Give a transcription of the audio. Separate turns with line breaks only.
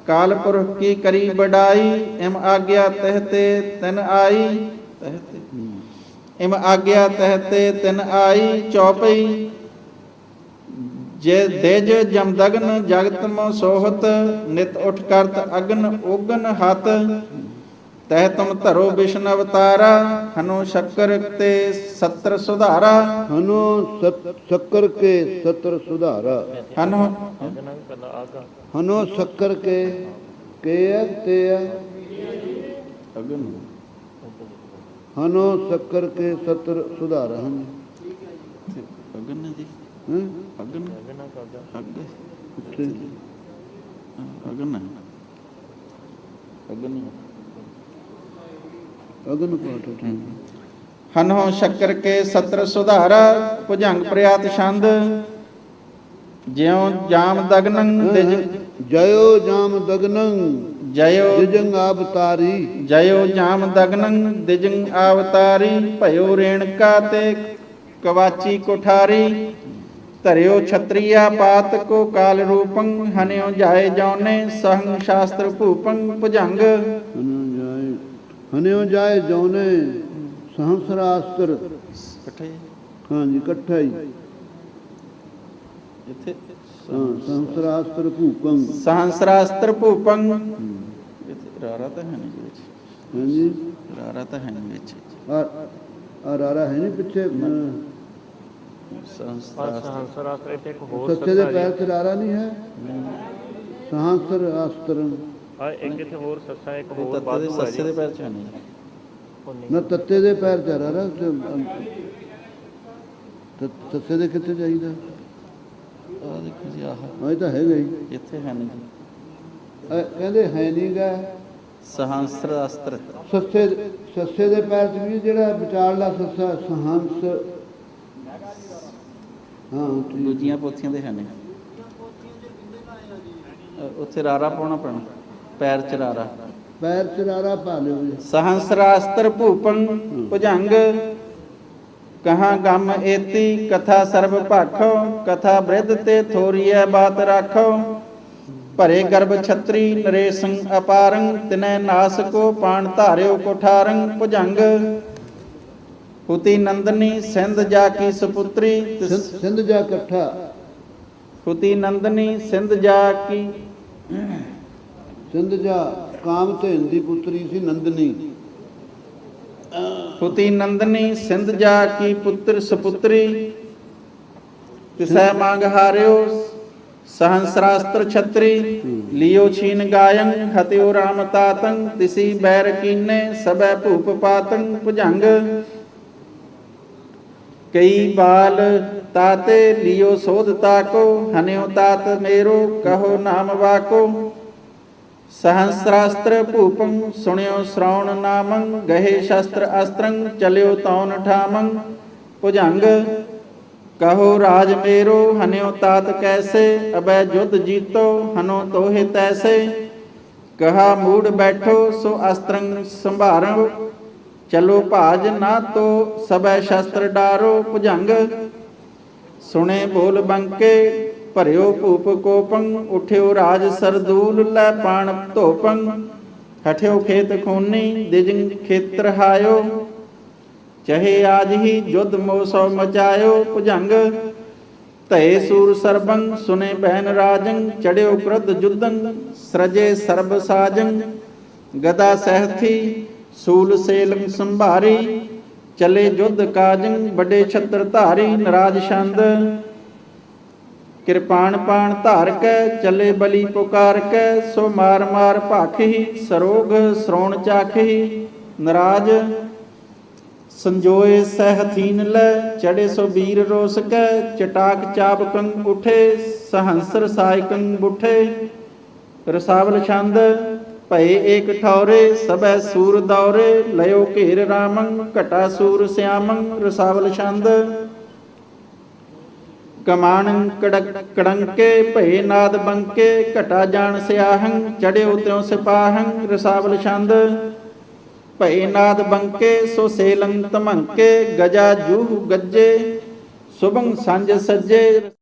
काल पुरख की करी बड़ाई, इम आज्ञा तहते तिन आई। इम आज्ञा तहते तिन आई, चौपई जे देज जमदग्न जगत मो सोहत, नित उठ करत अग्न उगन हत। तह तुम धरो विष्णु अवतारा, हनु शक्कर ते सत्र सुधारा।
हनो शक्कर के सत्र सुधारा।
हनु
हनो शक्कर के ते
अग्न
हनो शक्कर के सत्र सुधारा।
अग्न जी
हैं
अग्न
किथे?
अग्न अग्न
अग्न पाठ है।
हनो शक्कर के सत्र सुधारा, भुजंग प्रयात छंद। ज्यों जाम दगनं दिज
जयो जाम दगनं
जयो
दिजंग अवतारी।
जयो जाम दगनं दिजंग अवतारी, भयो रेणका ते कवाची कुठारी। धरियो क्षत्रिया पात को काल रूपं, हन्यो जाए जौने सहं शास्त्र भूपं। भुजंग
हन्यो जाए जौने सहस्रास्त्र।
इकट्ठे
हाँ जी इकट्ठा ही।
इत्थे
हाँ सहस्रास्त्र भूपं।
सहस्रास्त्र भूपं। इत्थे रारा तो है नहीं विच।
हाँ जी
रारा तो है नहीं विच।
रारा है नहीं पिछे।
सहस्रास्त्र
सच्चे दे पैर च रारा नहीं है। सहस्रास्त्र
एक इत्थे होर सस्सा एक होर
तत्ते
बादू
दे
है
सस्से
जी।
दे पैर च है नहीं।
ना तत्ते दे पैर च रारा। सच्चे दे कितने चाहिए?
ਆ ਦੇਖੋ ਜੀ ਆਹ
ਇਹ ਤਾਂ ਹੈਗਾ ਹੀ।
ਇੱਥੇ ਹੈ ਨਹੀਂ ਜੀ।
ਕਹਿੰਦੇ ਹੈ ਨਹੀਂ ਗਾ।
ਸਹੰਸਰਾਸਤਰ
ਸੱਸੇ ਦੇ ਪੈਰ 'ਚ ਵੀ ਜਿਹੜਾ ਵਿਚਾਰਲਾ ਸੱਸਾ ਸਹੰਸ। ਹਾਂ
ਦੂਜੀਆਂ ਪੋਥੀਆਂ ਦੇ ਹੈ ਨਹੀਂ। ਉੱਥੇ ਰਾਰਾ ਪਾਉਣਾ ਪੈਣਾ, ਪੈਰ ਚ ਰਾਰਾ।
ਪੈਰ ਚ ਰਾਰਾ ਪਾ ਲਿਓ ਜੀ।
ਸਹੰਸਰਾਸਤਰ ਭੂਪੰ ਭੁਜੰਗ, कहाँ गम एती कथा सर्व भाखो। कथा बृद्ध ते थोरिय बात राखो, भरे गर्भ छत्री नरेशं अपारं। तिनै नास को पाण धार्यो कोठारं। भुजंग हुति नंदनी सिंध जाकी सुपुत्री।
सिंध जा कट्ठा।
हुति नंदनी सिंध जाकी।
सिंध जा काम धैन दी पुत्री सी नंदनी।
हुति नंदनी सिंध जा की पुत्र सुपुत्री। तिसै मांग हार्यो सहस्रास्त्र छत्री। लियो छीन गायन हत्यो राम तातं। तिसी बैर कीने सबै भूप पातं। भुजंग कई बाल ताते लियो सोध ताको। हन्यो तात मेरो कहो नाम वाको। सहस्रास्त्र भूपं सुण्यो श्रवण नामं। गहे शस्त्र अस्त्रं चल्यो तौन ठामं। भुजंग कहो राज मेरो हन्यो तात कैसे। अबै युद्ध जीतो हनो तोहे तैसे। कहा मूड बैठो सो अस्त्रं संभारो। चलो भाज ना तो सबै शस्त्र डारो। भुजंग सुने बोल बंके भरियो भूप कोपं। उठ्यो राज सरदूल लै पाण धोपं। हठ्यो खेत खूनी दिजंग खेत्र हायो। चहे आज ही युद्ध मोसो मचायो। भुजंग तय सूर सरबं सुने बहन राजं। चढ़्यो क्रुद्ध जुद्धं सृजे सर्ब साजं। गदा सहथी सूल सेलंग संभारी। चले युद्ध काजं बड़े छत्र धारी। नराज छंद कृपाण पाण धार कै। चले बलि पुकार कै सो मार मार भाखी। सरोग श्रोण चाखी। नराज संजोए सहथीन लै। चढ़े सो वीर रोस कै। चटाक चाबकं उठे सहंसर सायकं बुठे। रसावल छंद भय एक ठौरे सबै सूर दौरे। लयो घेर रामं घटा सूर श्यामं। रसावल छंद कमाणं कड़ंके भय नाद बंके। घटा जान स्याहं चढ़्यो त्यों सिपाहं। रसावल छंद भय नाद बंके सो सेलंग तमंके। गजा जूह गज्जे सुबंग सांझ सज्जे।